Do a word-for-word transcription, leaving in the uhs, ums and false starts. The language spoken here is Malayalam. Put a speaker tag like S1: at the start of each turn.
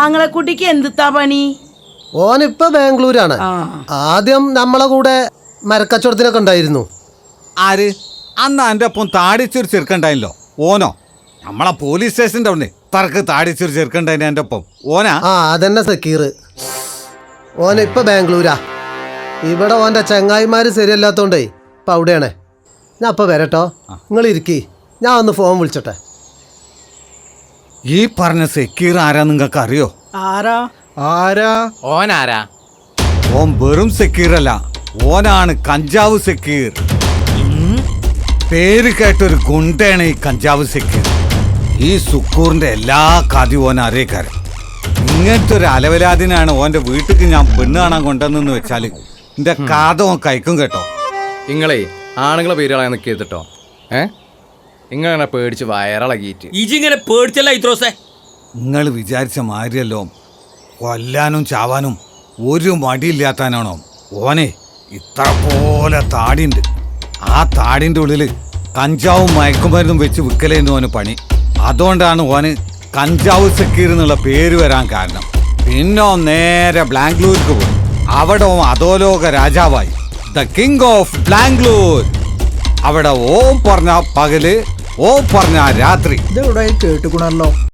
S1: ആങ്ങളെക്കുട്ടിക്ക് എന്തിത്താ പണി?
S2: ഓനിപ്പോ ബാംഗ്ലൂരാണ്. ആദ്യം നമ്മളെ കൂടെ മരക്കച്ചവടത്തിനൊക്കെ ഉണ്ടായിരുന്നു.
S3: ആര്? അന്ന് എൻ്റെ ഒപ്പം താടിച്ചൊരു ചെറുക്കണ്ടായില്ലോ, ഓനോ? നമ്മളെ പോലീസ് സ്റ്റേഷൻ്റെ അവിടെ തറക്ക് താടിച്ചൊരു ചെറുക്കണ്ടായിന് എൻ്റെ ഒപ്പം, ഓനാ?
S2: ആ അതന്നെ സക്കീർ. ഓനിപ്പോ ബാംഗ്ലൂരാ. ഇവിടെ ഓൻ്റെ ചങ്ങായിമാര് ശരിയല്ലാത്തോണ്ടേ ഇപ്പം അവിടെയാണ്. ഞാൻ അപ്പോൾ വരട്ടോ, നിങ്ങൾ ഇരിക്കി, ഞാൻ ഒന്ന് ഫോൺ വിളിച്ചോട്ടെ.
S3: ഈ പറഞ്ഞ സക്കീർ ആരാ നിങ്ങൾക്ക് അറിയോ?
S1: ആരാ
S4: ആരാ
S5: ഓനാരാ?
S3: ഓൻ വെറും സക്കീറല്ല, ഓനാണ് കഞ്ചാവ് സക്കീർ. പേര് കേട്ടൊരു ഗുണ്ടയാണ് ഈ കഞ്ചാവ് സക്കീർ. ഈ സുക്കൂറിന്റെ എല്ലാ കഥയും ഓൻ അറിയക്കാരൻ. ഇങ്ങനത്തെ ഒരു അലവലാദിനാണ് ഓന്റെ വീട്ടിക്ക് ഞാൻ പെണ്ണ് കാണാൻ കൊണ്ടുവന്നെന്ന് വെച്ചാൽ എന്റെ കഥ ഓൻ കഴിക്കും കേട്ടോ.
S5: നിങ്ങളെ ആണുങ്ങളെ പേരുകളെ നിൽക്കിട്ടോ. ഏ നിങ്ങളെ പേടിച്ച് വയറിളകിയിട്ട്
S6: ഇജിങ്ങനെ പേടിച്ചല്ല ഇത്രോസേ.
S3: നിങ്ങൾ വിചാരിച്ച മാതിരിയല്ലോ കൊല്ലാനും ചാവാനും ഒരു മടിയില്ലാത്താനാണോ ഓനെ. ഇത്ര പോലെ താടിയുണ്ട്. ആ താടിൻ്റെ ഉള്ളിൽ കഞ്ചാവും മയക്കുമരുന്നും വെച്ച് വിൽക്കലേന്ന് ഓന് പണി. അതുകൊണ്ടാണ് ഓന് കഞ്ചാവ് സക്കീർ എന്നുള്ള പേര് വരാൻ കാരണം. പിന്നെ നേരെ ബാംഗ്ലൂർക്ക് പോയി. അവിടെ അധോലോക രാജാവായി, ദ കിങ് ഓഫ് ബാംഗ്ലൂർ. അവിടെ ഓം പറഞ്ഞ പകല്, ഓം പറഞ്ഞ രാത്രി.
S4: ഇതെവിടെ കേട്ടുക്കണല്ലോ.